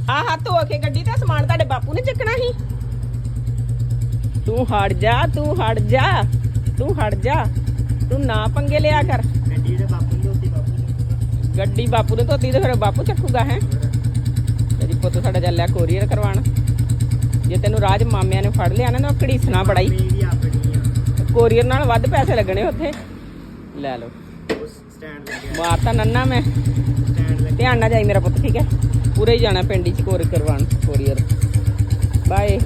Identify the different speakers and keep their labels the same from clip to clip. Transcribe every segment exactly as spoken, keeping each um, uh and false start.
Speaker 1: ਆਹ ਧੋ ਕੇ ਗੱਡੀ ਤੇ ਸਮਾਨ ਤੁਹਾਡੇ ਬਾਪੂ ਨੇ ਚੱਕਣਾ ਸੀ। ਤੂੰ ਹਟ ਜਾ, ਤੂੰ ਹਟ ਜਾ, ਤੂੰ ਹਟ ਜਾ, ਤੂੰ ਨਾ ਪੰਗੇ ਲਿਆ ਕਰ।
Speaker 2: ਗੱਡੀ ਦੇ ਬਾਪੂ ਨੂੰ ਧੋਤੀ, ਬਾਪੂ ਚੱਕੂਗਾ।
Speaker 1: ਗੱਡੀ ਬਾਪੂ ਨੇ ਧੋਤੀ ਤੇ ਫਿਰ ਬਾਪੂ ਚੱਕੂਗਾ ਹੈ। ਤੇਰੀ ਪੁੱਤ ਸਾਡਾ ਚੱਲਿਆ ਕੋਰੀਅਰ ਕਰਵਾਉਣ। ਜੇ ਤੈਨੂੰ ਰਾਜ ਮਾਮਿਆਂ ਨੇ ਫੜ ਲਿਆ ਨਾ ਘੜੀਸਣਾ ਬੜਾ ਹੀ।
Speaker 2: ਮੇਰੀ ਆਪਣੀ ਆ।
Speaker 1: ਕੋਰੀਅਰ ਨਾਲ ਵੱਧ ਪੈਸੇ ਲੱਗਣੇ ਉੱਥੇ। ਲੈ ਲਓ
Speaker 2: ਸਟੈਂਡ ਲੱਗਿਆ,
Speaker 1: ਮਾਰਤਾ ਨੰਨਾ ਮੈਂ।
Speaker 2: ਸਟੈਂਡ ਲੱਗਿਆ।
Speaker 1: ਧਿਆਨ ਨਾਲ ਜਾਈ ਮੇਰਾ ਪੁੱਤ, ਠੀਕ ਹੈ। ਪੂਰੇ ਹੀ ਜਾਣਾ ਪਿੰਡ 'ਚ ਕੋਰੀਅਰ ਕਰਵਾਉਣ, ਕੋਰੀਅਰ। ਬਾਏ।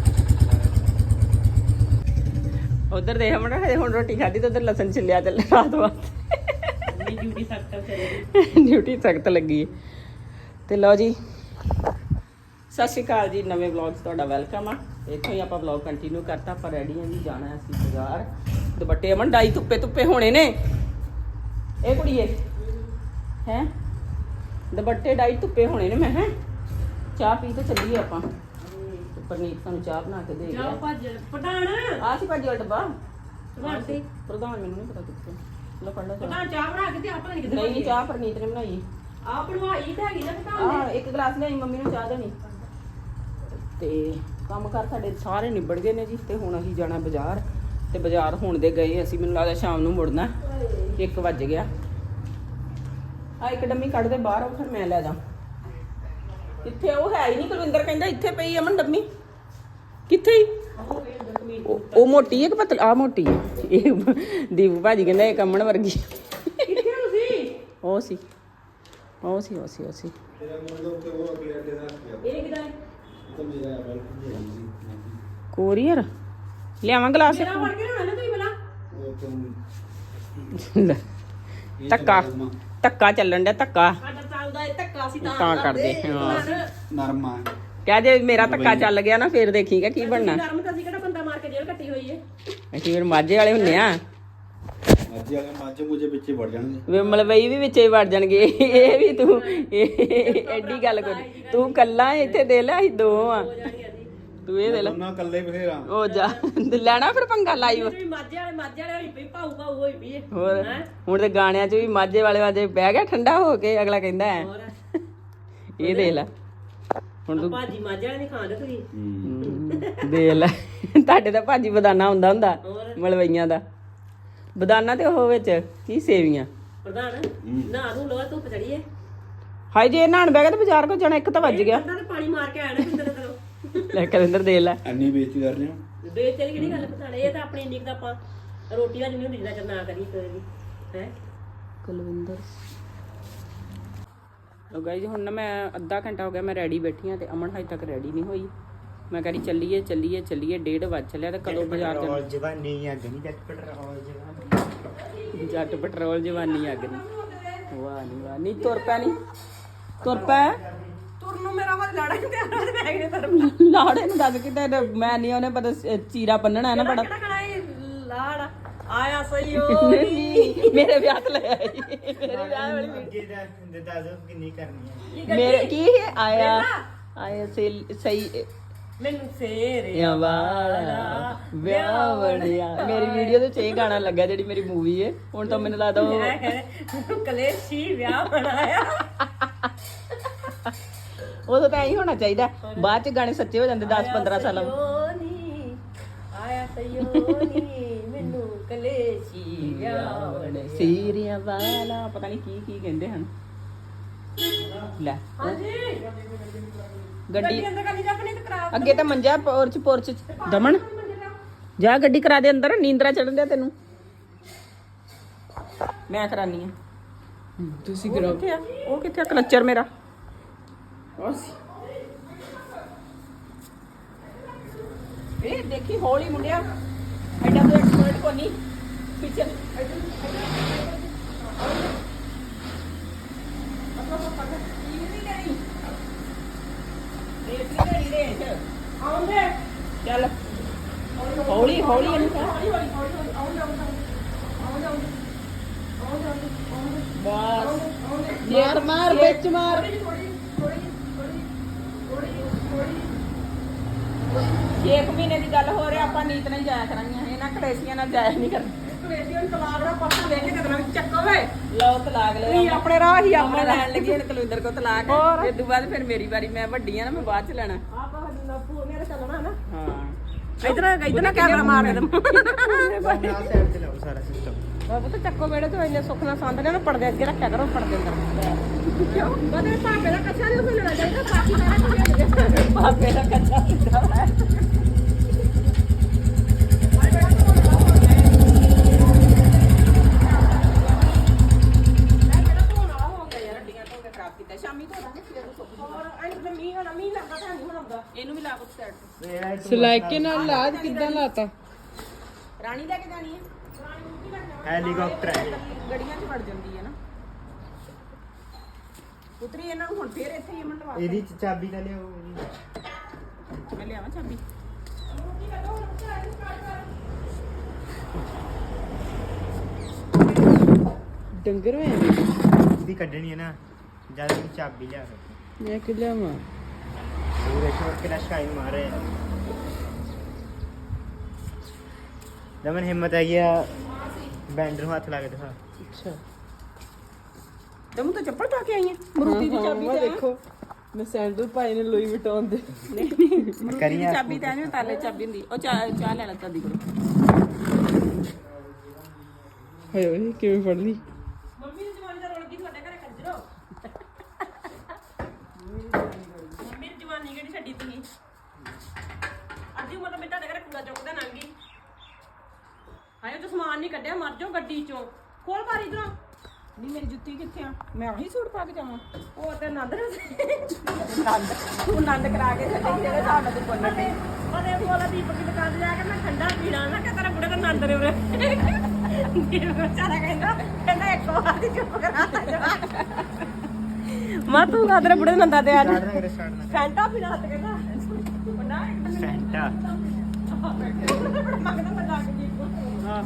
Speaker 1: ਉਧਰ ਦੇਖ ਮਣਾ ਹਜੇ ਹੁਣ ਰੋਟੀ ਖਾਧੀ ਤੇ ਉਧਰ ਲਸਣ ਛਿੱਲਿਆ ਚੱਲ ਰਾਤ ਵਾਸਤੇ।
Speaker 2: ਡਿਊਟੀ ਸਖਤ ਕਰੀ,
Speaker 1: ਡਿਊਟੀ ਸਖਤ ਲੱਗੀ ਤੇ ਲਓ ਜੀ, ਸਤਿ ਸ਼੍ਰੀ ਅਕਾਲ ਜੀ। ਨਵੇਂ ਵਲੌਗ 'ਚ ਤੁਹਾਡਾ ਵੈਲਕਮ ਆ। ਇੱਥੋਂ ਹੀ ਆਪਾਂ ਵਲੌਗ ਕੰਟੀਨਿਊ ਕਰਤਾ। ਆਪਾਂ ਰੈਡੀ ਹਾਂ ਜੀ, ਜਾਣਾ ਅਸੀਂ ਬਾਜ਼ਾਰ। ਦੁਪੱਟੇ ਅਮਨ ਡਾਈ ਧੁੱਪੇ ਧੁੱਪੇ ਹੋਣੇ ਨੇ। ਇਹ ਕੁੜੀਏ ਹੈ ਦੁਪੱਟੇ ਡਾਈ ਧੁੱਪੇ ਹੋਣੇ ਨੇ। ਮੈਂ ਹੈ ਚਾਹ ਪੀ ਤੇ ਚੱਲੀਏ ਆਪਾਂ। ਪਰਨੀਤ ਸਾਨੂੰ ਚਾਹ ਬਣਾ ਕੇ ਦੇ ਗਿਆ।
Speaker 2: ਪ੍ਰਧਾਨ
Speaker 1: ਆ ਸੀ ਭਾਜੀ ਵਾਲਾ ਡੱਬਾ।
Speaker 2: ਪ੍ਰਧਾਨ ਸੀ
Speaker 1: ਪ੍ਰਧਾਨ ਮੈਨੂੰ ਨਹੀਂ ਪਤਾ ਕਿੱਥੇ। ਲੋ ਫੜ ਲਓ ਚਾਹ।
Speaker 2: ਪ੍ਰਧਾਨ ਚਾਹ ਬਣਾ ਕੇ ਤੇ ਆਪਾਂ ਨਹੀਂ ਕਿਤੇ
Speaker 1: ਨਹੀਂ ਨਹੀਂ, ਚਾਹ ਪਰਨੀਤ ਨੇ ਬਣਾਈ।
Speaker 2: ਆਪ ਬਣਵਾਈ ਤਾਂ ਹੈਗੀ ਨਾ ਪ੍ਰਧਾਨ
Speaker 1: ਆ ਇੱਕ ਗਲਾਸ ਲਿਆਈ ਮੰਮੀ ਨੂੰ ਚਾਹ ਦੇਣੀ। ਤੇ ਕੰਮ ਕਰ ਸਾਡੇ ਸਾਰੇ ਨਿਬੜ ਗਏ ਨੇ ਜੀ। ਤੇ ਹੁਣ ਅਸੀਂ ਜਾਣਾ ਬਾਜ਼ਾਰ। ਤੇ ਬਾਜ਼ਾਰ ਹੁਣ ਦੇ ਗਏ ਅਸੀਂ, ਮੈਨੂੰ ਲੱਗਦਾ ਸ਼ਾਮ ਨੂੰ ਮੁੜਨਾ। ਇੱਕ ਵੱਜ ਗਿਆ। ਆ ਇੱਕ ਡੰਮੀ ਕੱਢ ਦੇ ਬਾਹਰ, ਉਹ ਫਿਰ ਮੈਂ ਲੈ ਜਾ। ਕਿੱਥੇ ਉਹ ਹੈ ਹੀ ਨਹੀਂ। ਕੁਲਵਿੰਦਰ ਕਹਿੰਦਾ ਇੱਥੇ ਪਈ ਅਮਨ ਡੰਮੀ। ਕਿੱਥੇ ਹੀ ਉਹ ਉਹ ਮੋਟੀ ਹੈ ਕਿ ਪਤਲੀ? ਆ ਮੋਟੀ ਹੈ ਇਹ। ਦੀਪ ਭਾਜੀ ਕਹਿੰਦਾ ਇਹ ਕੰਮਣ ਵਰਗੀ।
Speaker 2: ਕਿੱਥੇ ਤੁਸੀਂ?
Speaker 1: ਉਹ ਸੀ ਉਹ ਸੀ ਉਹ ਸੀ ਉਹ ਸੀ
Speaker 2: ਇਹ ਕਿਦਾਂ
Speaker 1: ਕੋਰੀਅਰ ਲਿਆਵਾਂ ਗਲਾਸ।
Speaker 2: ਮੇਰਾ ਫੜ ਕੇ ਨਾ ਤੁਸੀਂ ਬਲਾ
Speaker 1: ਲੈ, ਧੱਕਾ ਧੱਕਾ ਚੱਲਣ ਡਿਆ ਧੱਕਾ
Speaker 2: ਸਾਡਾ ਚੱਲਦਾ ਇਹ ਧੱਕਾ ਸੀ ਤਾਂ
Speaker 1: ਤਾਂ ਕਰਦੇ ਹਾਂ।
Speaker 3: ਨਰਮਾ
Speaker 1: ਕਹਿ ਜੇ ਮੇਰਾ ਧੱਕਾ ਚੱਲ ਗਿਆ ਨਾ ਫੇਰ ਦੇਖੀਗਾ ਕੀ ਬਣਨਾ।
Speaker 2: ਨਰਮ ਤਾਂ ਅਸੀਂ ਕਿਹੜਾ ਬੰਦਾ ਮਾਰ ਕੇ ਜੇਲ੍ਹ ਕੱਟੀ ਹੋਈ ਏ।
Speaker 1: ਅਸੀਂ ਫਿਰ ਮਾਝੇ ਵਾਲੇ ਹੁੰਨੇ ਆ।
Speaker 3: ਅੱਜ ਵਾਲੇ ਮਾਝੇ ਮੁਝੇ ਪਿੱਛੇ ਵੜ ਜਾਣਗੇ।
Speaker 1: ਵੇ ਮਲਵਈ ਵੀ ਵਿੱਚੇ ਵੜ ਜਾਣਗੇ। ਇਹ ਵੀ ਤੂੰ ਇਹ ਐਡੀ ਗੱਲ ਕਰ। ਤੂੰ ਕੱਲਾ ਇੱਥੇ ਦੇ ਲੈ, ਅਸੀਂ ਦੋ ਆ। ਤੂੰ ਇਹ ਦੇ ਲੈ।
Speaker 3: ਦੋਨਾਂ ਇਕੱਲੇ ਬਥੇਰਾ।
Speaker 1: ਉਹ ਜਾ ਲੈਣਾ ਫਿਰ ਪੰਗਾ ਲਾਈਵ।
Speaker 2: ਵੀ ਮਾਝੇ ਵਾਲੇ ਮਾਝੇ ਵਾਲੇ ਹੋਈ ਪਈ, ਭਾਊ ਭਾਊ ਹੋਈ ਪਈ ਏ।
Speaker 1: ਹੋਰ ਹੁਣ ਤੇ ਗਾਣਿਆਂ 'ਚ ਵੀ ਮਾਝੇ ਵਾਲੇ ਵਾਜੇ ਬਹਿ ਗਿਆ ਠੰਡਾ ਹੋ ਕੇ। ਅਗਲਾ ਕਹਿੰਦਾ ਹੈ ਇਹ ਦੇ ਲੈ। ਹੁਣ ਤੂੰ
Speaker 2: ਭਾਜੀ ਮਾਝੇ ਵਾਲੇ ਨਹੀਂ ਖਾਂਦੇ ਤੁਸੀਂ।
Speaker 1: ਦੇ ਲੈ। ਤੁਹਾਡੇ ਤਾਂ ਭਾਜੀ ਬਦਾਨਾ ਹੁੰਦਾ ਹੁੰਦਾ ਮਲਵਈਆਂ ਦਾ। ਬਦਾਨਾ ਤੇ ਉਹ ਵਿੱਚ ਕੀ ਸੇਵੀਆਂ।
Speaker 2: ਪ੍ਰਧਾਨ ਨਾ ਨੂੰ ਲੋ ਧੁੱਪ ਚੜੀਏ।
Speaker 1: ਹਾਏ ਜੇ ਨਹਾਣ ਬਹਿ ਗਿਆ ਤੇ ਬਾਜ਼ਾਰ ਕੋ ਜਾਣਾ। ਇੱਕ ਤਾਂ ਵੱਜ ਗਿਆ।
Speaker 2: ਬੰਦਾ ਤੇ ਪਾਣੀ ਮਾਰ ਕੇ ਆਇਆ ਨਾ ਕਿੰਦਰ ਤਰੋਂ।
Speaker 1: ਲੈ ਕਲਿੰਦਰ ਦੇ ਲੈ।
Speaker 3: ਇੰਨੀ ਬੇਇੱਜ਼ਤੀ ਕਰ ਰਹੇ ਹੋ।
Speaker 2: ਦੇਖ ਤੇਰੀ ਕਿਹੜੀ ਗੱਲ ਪਤਾ ਇਹ ਤਾਂ ਆਪਣੀ ਇੰਨੀ ਕੁ ਤਾਂ ਆਪਾਂ ਰੋਟੀ ਵਾਲੀ ਨਹੀਂ ਹੁੰਦੀ ਜਿੰਨਾ ਚਿਰ ਨਾ ਕਰੀ ਕੋਈ ਵੀ ਹੈ।
Speaker 1: ਕੁਲਵਿੰਦਰ ਲੋ ਗਾਇਜ਼ ਹੁਣ ਨਾ ਮੈਂ ਅੱਧਾ ਘੰਟਾ ਹੋ ਗਿਆ ਮੈਂ ਰੈਡੀ ਬੈਠੀ ਆ ਤੇ ਅਮਨ ਹਜੇ ਤੱਕ ਰੈਡੀ ਨਹੀਂ ਹੋਈ। ਮੈਂ ਕਹਿੰਦੀ ਚੱਲੀਏ ਚੱਲੀਏ ਚੱਲੀਏ। ਡੇਢ ਵੱਜ ਚੱਲਿਆ ਤੇ ਕਦੋਂ ਬਾਜ਼ਾਰ ਜਾਣਾ।
Speaker 2: ਜਵਾਨੀ ਅੱਗ ਨਹੀਂ ਜੱਟ ਪੈਟਰੋਲ ਜਵਾਨੀ।
Speaker 1: ਜੱਟ ਪੈਟਰੋਲ ਜਵਾਨੀ ਅੱਗ ਨਹੀਂ। ਵਾਹ ਨਹੀਂ ਵਾਹ ਨਹੀਂ। ਤੁਰ ਪੈ ਨਹੀਂ ਤੁਰ ਪੈ।
Speaker 2: ਤੁਰ ਨੂੰ ਮੇਰਾ ਮਤ ਲਾੜਾ ਤੇ ਆਣਾ ਤੇ ਬੈਗ ਨੇ ਤਰ
Speaker 1: ਲਾੜੇ ਨੂੰ ਦੱਸ ਕਿਤੇ ਮੈਂ ਨਹੀਂ ਉਹਨੇ ਪਤਾ ਚੀਰਾ ਬੰਨਣਾ ਹੈ ਨਾ ਬੜਾ।
Speaker 2: ਕਿਹੜਾ ਕਣਾ ਇਹ ਲਾੜਾ ਆਇਆ ਸਹੀ ਹੋ
Speaker 1: ਮੇਰੇ ਵਿਆਹ ਤੇ ਲੈ ਆਈ। ਮੇਰੇ ਵਿਆਹ ਵਾਲੀ
Speaker 2: ਅੱਗੇ ਦਾ ਦੱਸੋ ਕਿੰਨੀ ਕਰਨੀ ਹੈ।
Speaker 1: ਮੇਰੇ ਕੀ ਆਇਆ ਆਇਆ ਸਹੀ
Speaker 2: ਮੈਨੂੰ ਫੇਰ
Speaker 1: ਯਾ ਵਾਲਾ ਵਿਆਹ ਵੜਿਆ। ਮੇਰੀ ਵੀਡੀਓ ਦੇ ਚ ਇਹ ਗਾਣਾ ਲੱਗਾ ਜਿਹੜੀ ਮੇਰੀ ਮੂਵੀ ਹੈ। ਹੁਣ ਤਾਂ ਮੈਨੂੰ ਲੱਗਦਾ ਉਹ
Speaker 2: ਕਲੇਸ਼ੀ ਵਿਆਹ ਬਣਾਇਆ।
Speaker 1: ਉਦੋਂ ਤਾਂ ਐਂ ਹੋਣਾ ਚਾਹੀਦਾ। ਬਾਅਦ ਚ ਗਾਣੇ ਸੱਚੇ ਹੋ ਜਾਂਦੇ ਦਸ ਪੰਦਰਾਂ ਸਾਲਾਂ ਬਾਅਦ।
Speaker 2: ਆਇਆ ਸਯੋਨੀ ਮੈਨੂੰ ਕਲੇਸ਼ੀ ਵਿਆਹ ਵੜਿਆ।
Speaker 1: ਸੀਰੀਆਂ ਵਾਲਾ ਪਤਾ ਨਹੀਂ ਕੀ ਕੀ ਕਹਿੰਦੇ ਹਨ। ਲੈ
Speaker 2: ਹਾਂਜੀ
Speaker 1: ਗੱਡੀ
Speaker 2: ਅੰਦਰ ਕਰ ਲਈ ਜਾ ਆਪਣੀ ਤੇ ਕਰਾ।
Speaker 1: ਅੱਗੇ ਤਾਂ ਮੰਜਾ ਪੋਰਚ ਪੋਰਚ ਦਮਨ ਜਾ ਗੱਡੀ ਕਰਾ ਦੇ ਅੰਦਰ। ਨੀਂਦਰਾ ਚੜਨ ਦਿਆ ਤੈਨੂੰ। ਮੈਂ ਕਰਾਨੀ ਆ। ਤੁਸੀਂ ਕਰਾਓ। ਕਿੱਥੇ ਆ ਉਹ? ਕਿੱਥੇ ਆ ਕਲਚਰ ਮੇਰਾ? ਇਹ ਦੇਖੀ ਹੌਲੀ ਮੁੰਡਿਆ। ਐਡਾ ਤੋਂ ਐਕਸਪਰਟ ਕੋ ਨਹੀਂ ਪਿੱਛੇ ਚੱਲ ਹੌਲੀ ਹੌਲੀ ਇਹਨੂੰ ਬਸ ਮਾਰ ਮਾਰ ਵਿੱਚ ਮਾਰ। ਛੇ ਕੁ ਮਹੀਨੇ ਦੀ ਗੱਲ ਹੋ ਰਹੀ ਆਪਾਂ ਨੀਤ ਨਾਲ ਜਾਇਆ ਕਰਾਂਗੇ। ਇਹਨਾਂ ਕਲੇਸ਼ੀਆਂ ਨਾਲ ਜਾਇਆ ਨਹੀਂ ਕਰਨਾ।
Speaker 2: ਕਲੇਸ਼ੀ ਨੂੰ ਤਲਾਕ ਦਾ ਪਾਸਾ ਲੈ ਕੇ ਕਦਮ ਚੱਕੋ ਵੇ
Speaker 1: ਲਓ ਤਲਾਕ ਲੈ
Speaker 2: ਨਹੀਂ ਆਪਣੇ ਰਾਹ ਹੀ
Speaker 1: ਆਪਣੇ
Speaker 2: ਆਪਣੇ
Speaker 1: ਲੈਣ ਲੱਗੀ ਹੁਣ ਕੁਲਵਿੰਦਰ ਕੋ ਤਲਾਕ
Speaker 2: ਹੋਰ।
Speaker 1: ਇਸ ਤੋਂ ਬਾਅਦ ਫਿਰ ਮੇਰੀ ਵਾਰੀ ਮੈਂ ਵੱਡੀ ਆ ਨਾ ਮੈਂ ਬਾਅਦ ਚ ਲੈਣਾ
Speaker 2: ਆਪਾਂ ਨੱਪੂ ਮੇਰੇ ਚੱਲਣਾ ਨਾ
Speaker 1: ਹਾਂ
Speaker 2: ਇਧਰ ਇਧਰ ਨਾ ਕੈਮਰਾ ਮਾਰ ਦੇ
Speaker 4: ਨਾਲ ਸਾਈਡ ਤੇ ਲਾਓ ਸਾਰਾ ਸਿਸਟਮ
Speaker 2: ਬਾਬੂ ਤਾਂ ਚੱਕੋ ਵੇੜੇ ਤੋਂ ਇੰਨੇ ਸੁੱਖ ਨਾਲ ਸੰਦ ਨੇ ਨਾ ਪਰਦੇ ਅੱਗੇ ਰੱਖਿਆ ਕਰੋ ਪਰਦੇ ਅੰਦਰ ਕਿਉਂ ਬਦੇ ਭਾਪੇ ਦਾ ਕੱਚਾ ਨਹੀਂ ਉਸ ਲੈਣਾ ਚਾਹੀਦਾ ਬਾਕੀ ਸਾਰਾ ਕੁਝ ਲੈ
Speaker 1: ਪਾਪੇ ਦਾ ਕੱਚਾ ਸਿੱਧਾ ਹੈ ਸ਼ਾਮੀ ਤੋਂ ਦਾਂਗੇ ਫਿਰ ਤੋਂ
Speaker 2: ਹੋਰ ਐਂ ਤੇ ਮੀਂਹ ਹੋਣਾ ਮੀਂਹ ਲੱਗਦਾ ਤਾਂ ਨਹੀਂ ਹੁੰਦਾ
Speaker 1: ਇਹਨੂੰ ਵੀ ਲਾ ਕੁੱਟ ਸਾਈਡ ਤੇ
Speaker 4: ਸਲਾਈਕੇ ਨਾਲ ਲਾਜ ਕਿੱਦਾਂ ਲਾਤਾ
Speaker 1: ਰਾਣੀ ਲੈ ਕੇ ਜਾਣੀ ਹੈ
Speaker 4: ਹੈਲੀਕਾਪਟਰ ਹੈ
Speaker 1: ਗੜੀਆਂ 'ਚ ਵੜ ਜਾਂਦੀ ਹੈ ਨਾ ਉਤਰੀ ਇਹਨਾਂ ਨੂੰ ਹੁਣ ਫੇਰ ਇੱਥੇ ਹੀ ਮੰਡਵਾ
Speaker 4: ਇਹਦੀ ਚ ਚਾਬੀ ਤਾਂ ਲਿਓ ਇਹਦੀ
Speaker 1: ਮੈਂ ਲਿਆਵਾਂ ਚਾਬੀ
Speaker 5: ਡੰਗਰ ਹੋਏ
Speaker 4: ਇਹਦੀ ਕੱਢਣੀ ਹੈ ਨਾ ਜਦ ਇਹਦੀ ਚਾਬੀ ਲਿਆ ਸਕਦੇ
Speaker 5: ਮੈਂ ਕਿ ਲਿਆਵਾਂ
Speaker 4: ਉਹ ਦੇਖੋ ਕਿੰਨਾ ਸ਼ਾਈਨ ਮਾਰ ਰਿਹਾ ਜਮਨ ਹਿੰਮਤ ਹੈਗੀ ਆ ਬੈਂਡਰ ਨੂੰ ਹੱਥ ਲਾ ਕੇ ਦਿਖਾ
Speaker 5: ਅੱਛਾ
Speaker 1: ਤੈਨੂੰ ਤਾਂ ਚੱਪਲ ਪਾ ਕੇ ਆਈ ਹੈ ਮਰੂਤੀ ਦੀ ਚਾਬੀ
Speaker 5: ਮੈਂ
Speaker 1: ਤੇ
Speaker 5: ਦੇਖੋ ਮੈਂ ਸੈਂਡਲ ਪਾਏ ਨੇ ਲੋਈ ਵਟਾਉਣ ਦੇ
Speaker 1: ਮਰੂਤੀ ਦੀ
Speaker 4: ਕਰੀਆਂ
Speaker 1: ਚਾਬੀ ਤਾਂ ਨਹੀਂ ਤਾਲੇ ਚਾਬੀ ਹੁੰਦੀ ਉਹ ਚਾਹ ਚਾਹ ਲੈ ਲੈ ਤਾਦੀ ਕੋਲ
Speaker 5: ਹਾਏ ਓਏ ਕਿਵੇਂ ਫੜ ਲਈ
Speaker 2: ਮੰਮੀ ਦੀ ਜਵਾਨੀ ਦਾ ਰੋਲ ਕੀ ਤੁਹਾਡੇ ਘਰੇ ਕੰਜਰੋ ਮੰਮੀ ਦੀ ਜਵਾਨੀ ਕਿਹੜੀ ਛੱਡੀ ਤੁਸੀਂ ਅੱਧੀ ਉਮਰ ਤਾਂ ਮੈਂ ਤੁਹਾਡੇ ਘਰੇ ਕੂੜਾ ਚੁੱਕਦਾ ਨੰਗੀ ਹਾਏ ਤੂੰ ਸਮਾਨ ਨਹੀਂ ਕੱਢਿਆ ਮਰ ਜਾਓ ਗੱਡੀ ਚੋਂ ਖੋਲ ਬਾਰੀ ਇਧਰੋਂ
Speaker 1: ਨਹੀਂ ਮੇਰੀ ਜੁੱਤੀ ਕਿੱਥੇ ਆ ਮੈਂ ਆਹੀ ਸੂਟ ਪਾ ਕੇ ਜਾਵਾਂ
Speaker 2: ਉਹ ਤੇ ਨੰਦ ਨੇ
Speaker 1: ਨੰਦ ਤੂੰ ਨੰਦ ਕਰਾ ਕੇ ਛੱਡੀ ਜਿਹੜੇ ਹਿਸਾਬ ਨਾਲ ਤੂੰ ਬੋਲਣ ਦੀ
Speaker 2: ਉਹਦੇ ਕੋਲ ਦੀਪਕ ਦੀ ਦੁਕਾਨ ਤੇ ਜਾ ਕੇ ਮੈਂ ਠੰਡਾ ਪੀਣਾ ਨਾ ਕਿ ਤੇਰਾ ਬੁੜੇ ਦਾ ਨੰਦ ਨੇ ਉਰੇ ਦੀਪਕ ਵਿਚਾਰਾ ਕਹਿੰਦਾ ਕਹਿੰਦਾ ਇੱਕ ਵਾਰ ਦੀ ਚੁੱਪ ਕਰਾ ਮਾ ਤੂੰ ਕਾਦਰੇ ਬੁੜੇ ਨੰਦਾ ਤੇ ਆ
Speaker 4: ਸਟਾਰਟ ਨਾ ਕਰੇ ਸਟਾਰਟ ਨਾ
Speaker 2: ਫੈਂਟਾ ਪੀਣਾ ਤੇ ਕਹਿੰਦਾ ਉਹ ਨਾ
Speaker 4: ਕਰੇ ਫੈਂਟਾ
Speaker 2: ਮੰਗਦਾ ਮੈਂ ਜਾ ਕੇ ਦੀਪਕ
Speaker 4: ਹਾਂ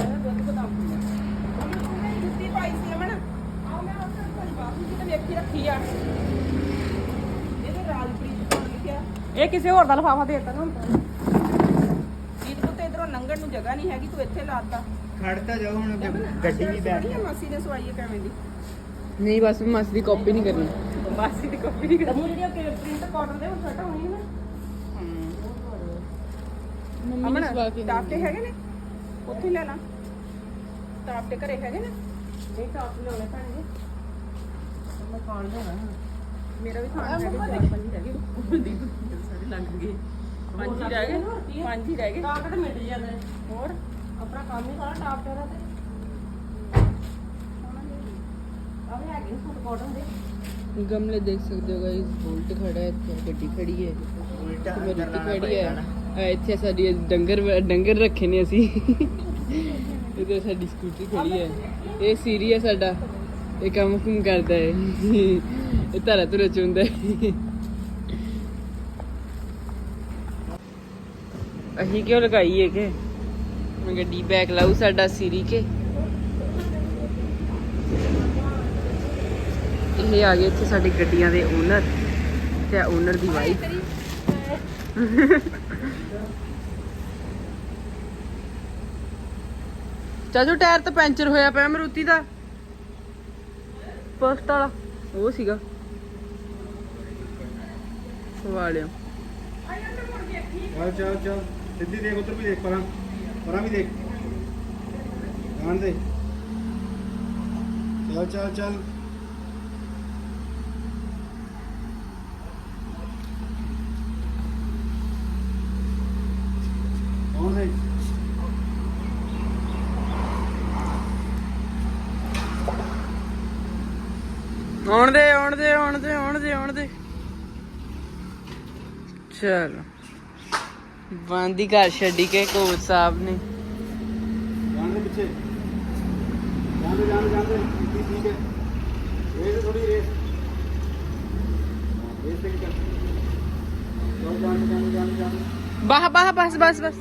Speaker 1: ਜੁੱਤੀ ਪਾਈ ਸੀ ਅਮਨ ਆਹ ਮੈਂ ਉੱਥੇ ਤੁਹਾਡੀ ਬਾਬੂ ਜੀ ਤੇ ਵੇਖੀ ਰੱਖੀ ਆ ਇਹਦੇ ਰਾਜਪ੍ਰੀਤ ਕੋਲ ਲਿਖਿਆ
Speaker 2: ਇਹ ਕਿਸੇ ਹੋਰ ਦਾ ਲਫਾਫਾ ਦੇ ਦਿੱਤਾ ਨਾ
Speaker 1: ਜੀਤ ਪੁੱਤ ਇਧਰੋਂ ਲੰਘਣ ਨੂੰ ਜਗ੍ਹਾ ਨਹੀਂ ਹੈਗੀ ਤੂੰ ਇੱਥੇ ਲਾਤਾ
Speaker 4: ਖੜਤਾ ਜਾਓ ਹੁਣ ਗੱਡੀ ਵੀ ਬੈਠ
Speaker 1: ਗਈ ਮਾਸੀ ਨੇ ਸਵਾਈ ਹੈ ਕਿਵੇਂ ਦੀ
Speaker 5: ਨਹੀਂ ਬਸ ਮੈਂ ਮਾਸੀ ਦੀ ਕਾਪੀ ਨਹੀਂ ਕਰਨੀ
Speaker 1: ਮਾਸੀ ਦੀ ਕਾਪੀ ਨਹੀਂ
Speaker 2: ਤਮੂ ਜਿਹੜੀ ਪ੍ਰਿੰਟ ਕਾਟਨ ਦੇ ਉਹ ਛੋਟਾ ਹੋਣੀ ਨਾ
Speaker 5: ਮੰਮੀ ਨੇ
Speaker 1: ਅਮਨ
Speaker 5: ਸਵਾ ਕੇ
Speaker 1: ਟਾਪ ਤੇ ਹੈਗੇ ਨੇ ਉੱਥੇ ਲੈ ਲਾ ਟਾਪ ਤੇ ਘਰੇ ਹੈਗੇ ਨੇ
Speaker 2: ਨਹੀਂ ਟਾਪ ਲਿਆਉਣੇ ਪੈਣਗੇ ਮੈਂ ਖਾਣ ਦੇਣਾ
Speaker 1: ਮੇਰਾ ਵੀ ਖਾਣਾ ਹੈਗਾ ਚਾਰ ਪੰਜ ਹੀ ਰਹਿ ਗਏ ਦੀਪ ਸਾਰੇ ਲੰਘ ਗਏ ਪੰਜ ਹੀ ਰਹਿ ਗਏ ਪੰਜ ਹੀ ਰਹਿ ਗਏ
Speaker 2: ਟਾਪ ਤੇ ਮਿਟ ਜਾਂਦੇ
Speaker 1: ਹੋਰ
Speaker 2: ਆਪਣਾ ਕੰਮ ਹੀ ਸਾਰਾ ਟਾਪ ਤੇ ਤੇ ਆਵੇ ਹੈਗੇ ਨੇ ਸੂਟ ਕਾਟਨ ਦੇ
Speaker 5: ਗਮਲੇ ਦੇਖ ਸਕਦੇ ਹੋ ਗਾਇਸ ਬੋਲਟ ਖੜਾ ਹੈ ਇੱਥੇ ਗੱਡੀ ਖੜੀ ਹੈ
Speaker 4: ਉਲਟਾ
Speaker 5: ਮੇਰੀ
Speaker 4: ਕਰਨਾ
Speaker 5: ਖੜੀ
Speaker 4: ਪਏਗਾ
Speaker 5: ਹੈ
Speaker 4: ਨਾ।
Speaker 5: ਆ ਇੱਥੇ ਸਾਡੀ ਡੰਗਰ ਡੰਗਰ ਰੱਖੇ ਨੇ ਅਸੀਂ ਇਹਦੇ ਸਾਡੀ ਸਕੂਟਰੀ ਖੜੀ ਹੈ ਇਹ ਸੀਰੀ ਹੈ ਸਾਡਾ ਇਹ ਕੰਮ ਕੁਮ ਕਰਦਾ ਹੈ ਇਹ ਧਰਾ ਧੁਰਾ ਚੁੰਦਾ ਹੈ ਅਸੀਂ ਕਿਉਂ ਲਗਾਈ ਹੈ ਕਿ ਮੈਂ ਗੱਡੀ ਬੈਕ ਲਾਉ ਸਾਡਾ ਸੀਰੀ ਕੇ ਇਹ ਆ ਗਏ ਇੱਥੇ ਸਾਡੀ ਗੱਡੀਆਂ ਦੇ ਓਨਰ ਤੇ ਓਨਰ ਦੀ ਵਾਈਫ ਚਾਚੂ ਟਾਇਰ ਤਾਂ ਪੈਂਚਰ ਹੋਇਆ ਪਿਆ ਮਰੂਤੀ ਦਾ ਫਸਟ ਵਾਲਾ ਉਹ ਸੀਗਾ ਸਵਾ ਲਿਆ
Speaker 3: ਚੱਲ ਚੱਲ ਚੱਲ ਸਿੱਧੀ ਦੇਖ ਉਧਰ ਵੀ ਦੇਖ ਪਰਾਂ ਪਰਾਂ ਵੀ ਦੇਖ ਧਿਆਨ ਦੇ ਚੱਲ ਚੱਲ ਚੱਲ ਕੌਣ ਹੈ
Speaker 5: ਆਉਣ ਦੇ ਆਉਣ ਦੇ ਆਉਣ ਦੇ ਆਉਣ ਦੇ ਆਉਣ ਦੇ ਚਲ ਬੰਦੀ ਘਰ ਛੱਡੀ ਕੇ ਕੋਚ ਸਾਹਿਬ ਨੇ
Speaker 3: ਜਾਣ ਦੇ ਪਿੱਛੇ ਜਾਣ ਦੇ ਜਾਣ ਦੇ ਜਾਣ ਦੇ ਠੀਕ ਠੀਕ ਹੈ ਰੇਸ ਥੋੜੀ ਰੇਸ ਰੇਸ ਤੇ ਕਰ ਜਾਣ ਜਾਣ ਜਾਣ ਜਾਣ ਜਾਣ
Speaker 5: ਬਾਹ ਬਾਹ ਬਸ ਬਸ ਬਸ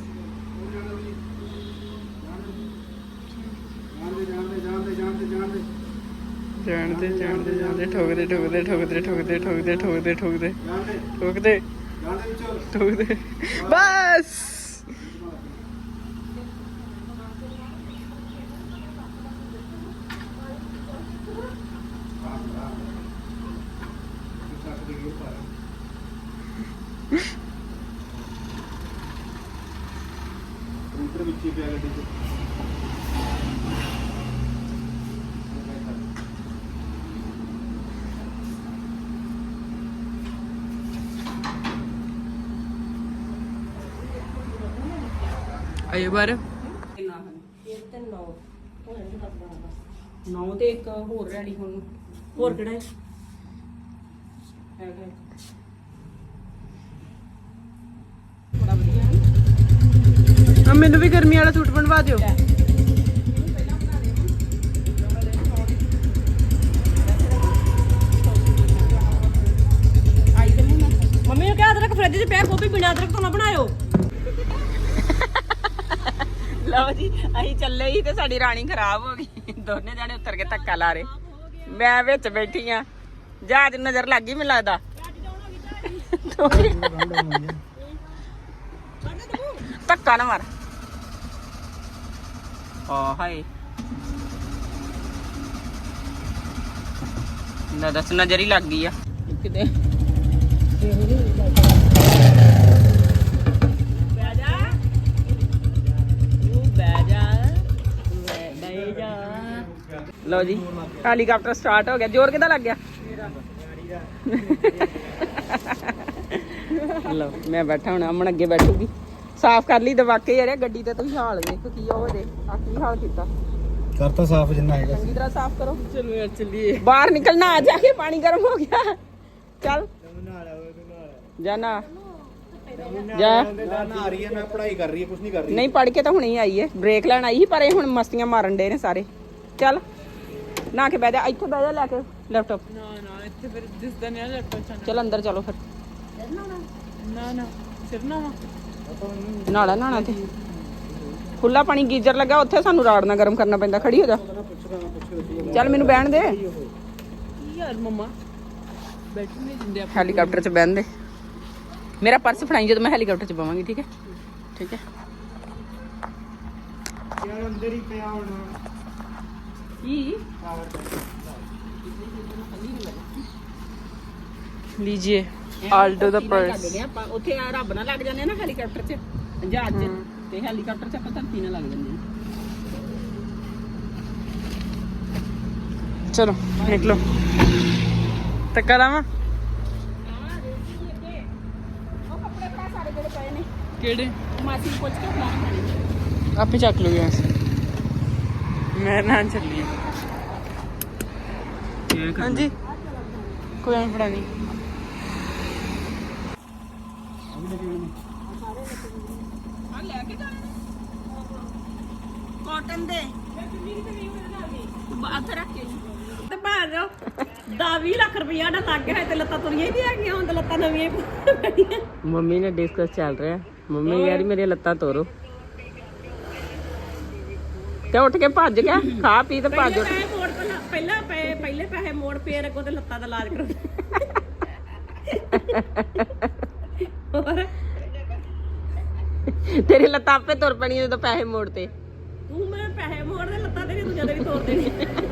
Speaker 3: ਜਾਣ ਦੇ ਜਾਣ ਦੇ ਜਾਣ ਦੇ ਜਾਣ ਦੇ ਜਾਣ ਦੇ
Speaker 5: ਜਾਣਦੇ ਜਾਣਦੇ ਜਾਣਦੇ ਠੋਕਦੇ ਠੋਕਦੇ ਠੋਕਦੇ ਠੋਕਦੇ ਠੋਕਦੇ ਠੋਕਦੇ ਠੋਕਦੇ
Speaker 3: ਜਾਣ ਦੇ
Speaker 5: ਠੋਕਦੇ
Speaker 3: ਜਾਣ ਦੇ ਵਿੱਚੋਂ
Speaker 5: ਠੋਕਦੇ ਬਸ
Speaker 3: ਕੰਪਿਊਟਰ ਵਿੱਚ ਹੀ ਪਿਆ ਗੱਡੀ 'ਚ
Speaker 5: ਆਏ ਬਾਰ
Speaker 2: ਇਹ ਤੇ ਨੌ
Speaker 1: ਨੌ ਤੇ ਇੱਕ ਹੋਰ ਰੈਡੀ ਹੁਣ
Speaker 2: ਹੋਰ ਕਿਹੜਾ ਹੈ
Speaker 1: ਹੈਗਾ ਬੜਾ ਵਧੀਆ ਹੈ
Speaker 5: ਆ ਮੈਨੂੰ ਵੀ ਗਰਮੀ ਵਾਲਾ ਸੂਟ ਬਣਵਾ ਦਿਓ
Speaker 2: ਮੰਮੀ ਨੂੰ ਕਿਹਾ ਅਦਰਕ ਫ੍ਰਿਜ 'ਚ ਪਿਆ ਗੋਭੀ ਬਿਨਾਂ ਅਦਰਕ ਤੋਂ ਨਾ ਬਣਾਇਓ
Speaker 1: ਲਓ ਜੀ ਅਸੀਂ ਚੱਲੇ ਹੀ ਤੇ ਸਾਡੀ ਰਾਣੀ ਖਰਾਬ ਹੋ ਗਈ ਦੋਨੇ ਜਾਣੇ ਉੱਤਰ ਕੇ ਧੱਕਾ ਲਾ ਰਹੇ ਮੈਂ ਵਿੱਚ ਬੈਠੀ ਆ ਜਹਾਜ਼ ਨੂੰ ਨਜ਼ਰ ਲੱਗ ਗਈ ਮੈਨੂੰ ਲੱਗਦਾ ਧੱਕਾ ਨਾ ਮਾਰ ਆ ਹਾਏ ਨਾ ਦੱਸ ਨਜ਼ਰ ਹੀ ਲੱਗ ਗਈ ਆ ਕਿਤੇ
Speaker 2: ਬਹਿ ਜਾ ਤੂੰ ਬਹਿ ਜਾ ਬਹਿ ਜਾ
Speaker 1: ਲਓ ਜੀ ਹੈਲੀਕਾਪਟਰ ਸਟਾਰਟ ਹੋ ਗਿਆ ਜ਼ੋਰ ਕਿੱਦਾਂ ਲੱਗ ਗਿਆ ਲਓ ਮੈਂ ਬੈਠਾ ਹੁਣ ਅਮਨ ਅੱਗੇ ਬੈਠੂਗੀ ਸਾਫ਼ ਕਰ ਲਈ ਦਵਾਕੇ ਯਾਰ ਗੱਡੀ ਤੇ ਤੁਸੀਂ ਹਾਲ ਦੇਖੋ ਕੀ ਹੋ ਜੇ ਆ ਕੀ ਹਾਲ ਕੀਤਾ
Speaker 3: ਕਰਤਾ ਸਾਫ ਜਿੰਨਾ ਹੈਗਾ
Speaker 1: ਚੰਗੀ ਤਰ੍ਹਾਂ ਸਾਫ਼ ਕਰੋ
Speaker 5: ਚਲੋ ਯਾਰ ਚੱਲੀਏ
Speaker 1: ਬਾਹਰ ਨਿਕਲਣਾ ਆ ਜਾ ਕੇ ਪਾਣੀ ਗਰਮ ਹੋ ਗਿਆ ਚੱਲ ਜਾ ਨਾ ਜਾ
Speaker 3: ਨਾ ਆ ਰਹੀ ਹੈ ਮੈਂ ਪੜ੍ਹਾਈ ਕਰ ਰਹੀ ਹੈ ਕੁਝ ਨਹੀਂ ਕਰ ਰਹੀ
Speaker 1: ਨਹੀਂ ਪੜ ਕੇ ਤਾਂ ਹੁਣੇ ਹੀ ਆਈ ਹੈ ਬ੍ਰੇਕ ਲੈਣ ਆਈ ਸੀ ਪਰ ਇਹ ਹੁਣ ਮਸਤੀਆਂ ਮਾਰਨ ਡੇ ਨੇ ਸਾਰੇ ਚੱਲ ਨਾ ਕੇ ਬਹਿ ਜਾ ਇੱਥੇ ਬਹਿ ਜਾ ਲੈ ਕੇ ਲੈਪਟਾਪ
Speaker 5: ਨਾ ਨਾ ਇੱਥੇ ਫਿਰ ਦਿਸਦਾ ਨਹੀਂ ਲੈਪਟਾਪ
Speaker 1: ਚੱਲ ਅੰਦਰ ਚਲੋ ਫਿਰ
Speaker 5: ਨਾ ਨਾ ਸਿਰਨਾ ਵਾ
Speaker 1: ਨਾਲਾ ਨਾਣਾ ਤੇ ਖੁੱਲਾ ਪਾਣੀ ਗੀਜ਼ਰ ਲੱਗਾ ਉੱਥੇ ਸਾਨੂੰ ਰਾੜ ਨਾਲ ਗਰਮ ਕਰਨਾ ਪੈਂਦਾ ਖੜੀ ਹੋ ਜਾ ਚੱਲ ਮੈਨੂੰ ਬਹਿਣ ਦੇ
Speaker 5: ਕੀ ਯਾਰ ਮਮਾ ਬੈਠ ਨਹੀਂ ਦਿੰਦੇ ਆਪਾਂ
Speaker 1: ਹੈਲੀਕਾਪਟਰ 'ਚ ਬਹਿਣ ਦੇ ਮੇਰਾ ਪਰਸ ਫੜਾਈ ਜਦੋਂ ਮੈਂ ਹੈਲੀਕਾਪਟਰ 'ਚ ਬਵਾਂਗੀ ਠੀਕ ਹੈ ਠੀਕ ਹੈ
Speaker 3: ਯਾਰ ਅੰਦਰ ਹੀ ਪਿਆ ਹੋਣਾ
Speaker 1: ਕੀ
Speaker 5: ਲੀਜੀਏ ਆਲਡੋ ਦਾ ਪਰਸ
Speaker 1: ਆਪਾਂ ਉੱਥੇ ਆ ਰੱਬ ਨਾਲ ਲੱਗ ਜਾਂਦੇ ਆ ਨਾ ਹੈਲੀਕਾਪਟਰ 'ਚ ਜਹਾਜ਼ 'ਚ ਤੇ ਹੈਲੀਕਾਪਟਰ 'ਚ ਆਪਾਂ ਧਰਤੀ ਨਾਲ ਲੱਗ ਜਾਂਦੇ ਆ
Speaker 5: ਚਲੋ ਨਿਕਲੋ ਧੱਕਾ ਲਾਵਾਂ
Speaker 1: ਉਹ ਕੱਪੜੇ ਭਰਾ ਸਾਰੇ ਜਿਹੜੇ ਪਏ ਨੇ
Speaker 5: ਕਿਹੜੇ
Speaker 1: ਮਾਸੀ ਨੂੰ ਪੁੱਛ ਕੇ ਬਣਾ
Speaker 5: ਆਪੇ ਚੱਕ ਲਓ ਯਾਰ ਮੈਂ ਨਾ ਚੱਲੀ ਹਾਂਜੀ ਕੋਈ ਨਹੀਂ ਫੜਾ ਨਹੀਂ
Speaker 1: ਆ ਲੈ ਕੇ ਜਾਣੇ ਕਾਟਨ ਦੇ ਬਾਤ ਰੱਖ ਕੇ
Speaker 2: ਤੇ ਭੈਣ ਜੋ ਦਾ ਵੀਹ ਲੱਖ ਰੁਪਇਆ ਦਾ ਲੱਗ ਗਿਆ ਤੇ ਲੱਤਾਂ ਤੁਰੀਆਂ ਹੀ ਨਹੀਂ ਹੈਗੀਆਂ ਹੁਣ ਤੇ ਲੱਤਾਂ ਨਵੀਆਂ ਹੀ ਪਈਆਂ
Speaker 1: ਮੰਮੀ ਨੇ ਡਿਸਕਸ ਚੱਲ ਰਿਹਾ ਮੰਮੀ ਯਾਰ ਮੇਰੀਆਂ ਲੱਤਾਂ ਤੋਰੋ ਤੇ ਉੱਠ ਕੇ ਭੱਜ ਗਿਆ ਖਾ ਪੀ ਤੇ ਭੱਜ ਉੱਠ
Speaker 2: ਪੈਸੇ ਮੋੜ ਪਹਿਲਾਂ ਪਹਿਲਾਂ ਪਏ ਪਹਿਲੇ ਪੈਸੇ ਮੋੜ ਫੇਰ ਅੱਗੋਂ ਤੇ ਲੱਤਾਂ ਦਾ ਇਲਾਜ ਕਰੋ ਹੋਰ
Speaker 1: ਤੇਰੀ ਲੱਤਾਂ ਆਪੇ ਤੁਰ ਪੈਣੀਆਂ ਜਦੋਂ ਪੈਸੇ ਮੋੜ ਤੇ
Speaker 2: ਤੂੰ ਮੇਰੇ ਪੈਸੇ ਮੋੜ ਦੇ ਲੱਤਾਂ ਤੇਰੀ ਦੂਜਾ ਦੇ ਵੀ ਤੋੜ ਦੇਣੀ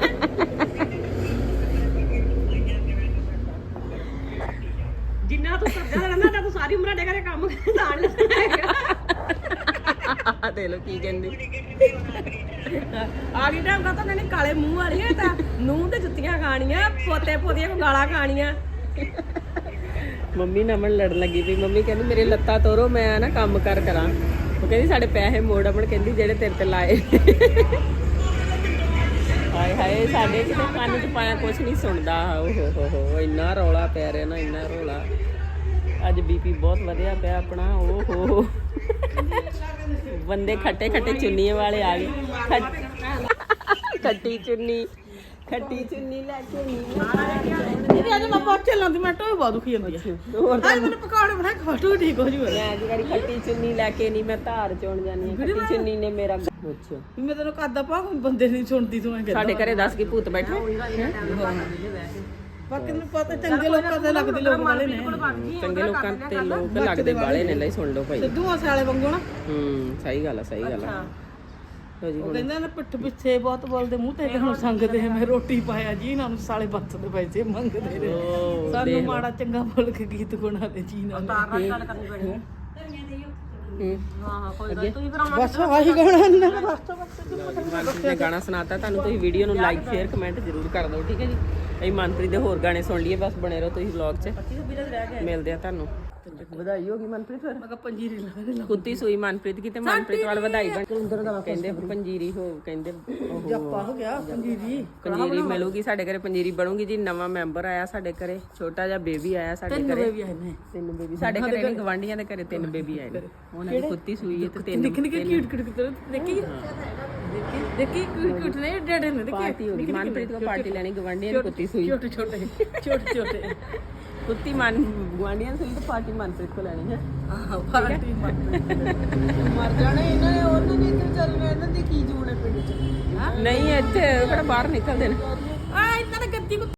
Speaker 2: ਜਿੰਨਾ ਤੂੰ ਕਰਦਾ ਰਹਿੰਦਾ ਤਾਂ ਤੂੰ ਸਾਰੀ ਉਮਰ ਡੇ ਘਰੇ ਕੰਮ ਦਾਣ ਲੈਣਾ
Speaker 1: ਦੇ ਲੋ ਕੀ ਕਹਿੰਦੇ
Speaker 2: ਆ ਗਈ ਟਾਈਮ ਕਾ ਤਾਂ ਕਹਿੰਦੇ ਕਾਲੇ ਮੂੰਹ ਵਾਲੀ ਹੈ ਤਾਂ ਨੂੰਹ ਤੇ ਜੁੱਤੀਆਂ ਖਾਣੀਆਂ ਪੋਤੇ ਪੋਤੀਆਂ ਕੋ ਗਾਲਾਂ ਖਾਣੀਆਂ
Speaker 1: ਮੰਮੀ ਨਾਲ ਮਨ ਲੜਨ ਲੱਗੀ ਵੀ ਮੰਮੀ ਕਹਿੰਦੀ ਮੇਰੇ ਲੱਤਾਂ ਤੋਰੋ ਮੈਂ ਨਾ ਕੰਮ ਕਰ ਕਰਾਂ ਉਹ ਕਹਿੰਦੀ ਸਾਡੇ ਪੈਸੇ ਮੋੜ ਅਮਣ ਕਹਿੰਦੀ ਜਿਹੜੇ ਤੇਰੇ ਤੇ ਲਾਏ ਹਾਏ ਹਾਏ ਸਾਡੇ ਕਿਤੇ ਕੰਨ 'ਚ ਪਾਇਆ ਕੁਛ ਨਹੀਂ ਸੁਣਦਾ ਓ ਹੋ ਹੋ ਹੋ ਇੰਨਾ ਰੌਲਾ ਪੈ ਰਿਹਾ ਨਾ ਇੰਨਾ ਰੌਲਾ ਅੱਜ ਬੀਪੀ ਬਹੁਤ ਵਧਿਆ ਪਿਆ ਆਪਣਾ ਓ ਹੋ ਹੋ ਬੰਦੇ ਖੱਟੇ ਖੱਟੇ ਚੁੰਨੀਆਂ ਵਾਲੇ ਆ ਗਏ ਖੱਟੀ ਚੁੰਨੀ ਖੱਟੀ ਚੁੰਨੀ ਲੈ ਕੇ
Speaker 2: ਇਹ ਅੱਜ ਮੈਂ ਪਹੁੰਚੇ ਲਾਂਦੀ ਮੈਂ ਟੋਏ ਬਹੁਤ ਦੁਖੀ ਜਾਂਦੀ ਹੈ
Speaker 1: ਹੋਰ
Speaker 2: ਅੱਜ ਮੈਨੂੰ ਪਕੌੜੇ ਬਣਾ ਖਟੂ ਠੀਕ ਹੋ ਜੂ
Speaker 1: ਮੈਂ ਅੱਜ ਵਾਰੀ ਖੱਟੀ ਚੁੰਨੀ ਲੈ ਕੇ ਨਹੀਂ ਮੈਂ ਧਾਰ ਚੋਣ ਜਾਨੀ ਆ ਖੱਟੀ ਚੁੰਨੀ ਨੇ ਮੇਰਾ ਅੱਛਾ
Speaker 2: ਮੈਂ ਤੈਨੂੰ ਕਾਦਾ ਪਾ ਬੰਦੇ ਨਹੀਂ ਸੁਣਦੀ ਤੂੰ ਐ
Speaker 1: ਸਾਡੇ ਘਰੇ ਦੱਸ ਕੇ ਭੂਤ ਬੈਠੇ
Speaker 2: ਬਾਕੀ ਨੂੰ ਪਤਾ ਚੰਗੇ ਲੋਕਾਂ ਦੇ ਲੱਗਦੇ ਲੋਕ ਵਾਲੇ ਨੇ
Speaker 1: ਚੰਗੇ ਲੋਕਾਂ ਤੇ ਲੋਕ ਲੱਗਦੇ ਬਾਲੇ ਨੇ ਲਈ ਸੁਣ ਲਓ ਭਾਈ
Speaker 2: ਸਿੱਧੂ ਆਸੇ ਵਾਲੇ ਵਾਂਗੂ ਨਾ
Speaker 1: ਹੂੰ ਸਹੀ ਗੱਲ ਆ ਸਹੀ ਗੱਲ ਆ ਲਓ ਜੀ
Speaker 6: ਉਹ
Speaker 1: ਹੁਣ
Speaker 6: ਕਹਿੰਦਾ ਨਾ ਪਿੱਠ ਪਿੱਛੇ ਬਹੁਤ ਬੋਲਦੇ ਮੂੰਹ ਤੇ ਹੁਣ ਸੰਗਦੇ ਮੈਂ ਰੋਟੀ ਪਾਇਆ ਜੀ ਇਹਨਾਂ ਨੂੰ ਸਾਲੇ ਬੱਤ ਦੇ ਪੈਸੇ ਮੰਗਦੇ ਨੇ
Speaker 1: ਓ,
Speaker 6: ਸਾਨੂੰ
Speaker 1: ਦੇਖ ਲਓ।
Speaker 6: ਮਾੜਾ ਚੰਗਾ ਬੋਲ ਕੇ ਗੀਤ ਗੁਣਾ ਦੇ ਜੀ ਨਾਲ
Speaker 2: ਤਾਰ ਨਾਲ ਗੱਲ ਕਰਨੀ ਪੈਣੀ
Speaker 1: ਹੂੰ।
Speaker 2: ਹਾਂ ਹਾਂ ਕੋਈ ਗੱਲ ਨੀ, ਤੁਸੀਂ ਫਿਰ ਆਉਣਾ
Speaker 6: ਬਸ ਆਹੀ ਗਾਣਾ ਇਹਨਾਂ ਦਾ ਰਸਤਾ
Speaker 1: ਮਨਪ੍ਰੀਤ ਨੇ ਗਾਣਾ ਸੁਣਾਤਾ ਤੁਹਾਨੂੰ। ਤੁਸੀਂ ਵੀਡੀਓ ਨੂੰ ਲਾਈਕ ਸ਼ੇਅਰ ਕਮੈਂਟ ਜ਼ਰੂਰ ਕਰ ਦਿਓ, ਠੀਕ ਹੈ ਜੀ। ਅਸੀਂ ਮਨਪ੍ਰੀਤ ਦੇ ਹੋਰ ਗਾਣੇ ਸੁਣ ਲਈਏ, ਬਸ ਬਣੇ ਰਹੋ ਤੁਸੀਂ ਵਲੌਗ 'ਚ। ਮਿਲਦੇ ਆ ਤੁਹਾਨੂੰ। ਵਧਾਈ ਹੋ ਗਈ ਮਨਪ੍ਰੀਤ ਫਿਰ।
Speaker 6: ਮੈਂ ਕਿਹਾ ਪੰਜੀਰੀ ਲਾ ਦੇ
Speaker 1: ਕੁੱਤੀ ਸੂਈ ਮਨਪ੍ਰੀਤ ਕੀ ਤੇ ਮਨਪ੍ਰੀਤ ਵਾਲ ਵਧਾਈ ਬਣ ਕਹਿੰਦੇ ਪੰਜੀਰੀ ਹੋ ਕਹਿੰਦੇ ਉਹ
Speaker 6: ਜੱਪਾ ਹੋ ਗਿਆ ਪੰਜੀਰੀ
Speaker 1: ਪੰਜੀਰੀ ਮਿਲੂਗੀ ਸਾਡੇ ਘਰੇ, ਪੰਜੀਰੀ ਬਣੂਗੀ ਜੀ। ਨਵਾਂ ਮੈਂਬਰ ਆਇਆ ਸਾਡੇ ਘਰੇ, ਛੋਟਾ ਜਿਹਾ ਬੇਬੀ ਆਇਆ ਸਾਡੇ
Speaker 6: ਤਿੰਨ
Speaker 1: ਘਰੇ।
Speaker 6: ਵੀ ਆਏ ਨੇ
Speaker 1: ਤਿੰਨ ਬੇਬੀ ਸਾਡੇ ਘਰੇ ਨਹੀਂ, ਗਵਾਂਢੀਆਂ ਦੇ ਘਰੇ ਤਿੰਨ ਬੇਬੀ ਆਏ ਨੇ। ਉਹਨਾਂ ਦੀ ਕੁੱਤੀ ਸੂਈ ਹੈ ਤੇ ਤਿੰਨ
Speaker 6: ਨਿੱਕੇ ਨਿੱਕੇ ਕਿਊਟ ਕਿਊਟ ਕਿਊਟ ਦੇਖੀ ਦੇਖੀ ਦੇਖੀ ਕਿਊਟ ਕਿਊਟ ਨੇ ਡੇਡੇ ਨੇ ਦੇਖੀ
Speaker 1: ਪਾਰਟੀ ਹੋ ਗਈ। ਮਨਪ੍ਰੀਤ ਕੋ ਪਾਰਟੀ ਲੈਣੀ, ਗਵਾਂਢੀਆਂ ਦੀ ਕੁੱਤੀ ਸੂਈ।
Speaker 6: ਛੋਟੇ ਛੋਟੇ ਛੋਟੇ ਛੋਟੇ
Speaker 1: ਕੁੱਤੀ ਮਨ ਗਵਾਂਢੀਆਂ ਸੂਈ ਤੇ ਪਾਰਟੀ ਮਨਪ੍ਰੀਤ ਕੋ ਲੈਣੀ ਹੈ।
Speaker 6: ਆਹ ਪਾਰਟੀ ਮਰ ਜਾਣੇ ਇਹਨਾਂ ਨੇ, ਉਹਨਾਂ ਨੇ ਇੱਧਰ ਚੱਲ ਰਹੇ ਇਹਨਾਂ ਦੀ ਕੀ ਜੂਣ ਹੈ ਪਿੰਡ ਚ
Speaker 1: ਨਹੀਂ ਇੱਥੇ ਕਿਹੜਾ ਬਾਹਰ ਨਿਕਲਦੇ ਨੇ।
Speaker 6: ਆ ਇਹਨਾਂ ਨੇ ਗੱਦੀ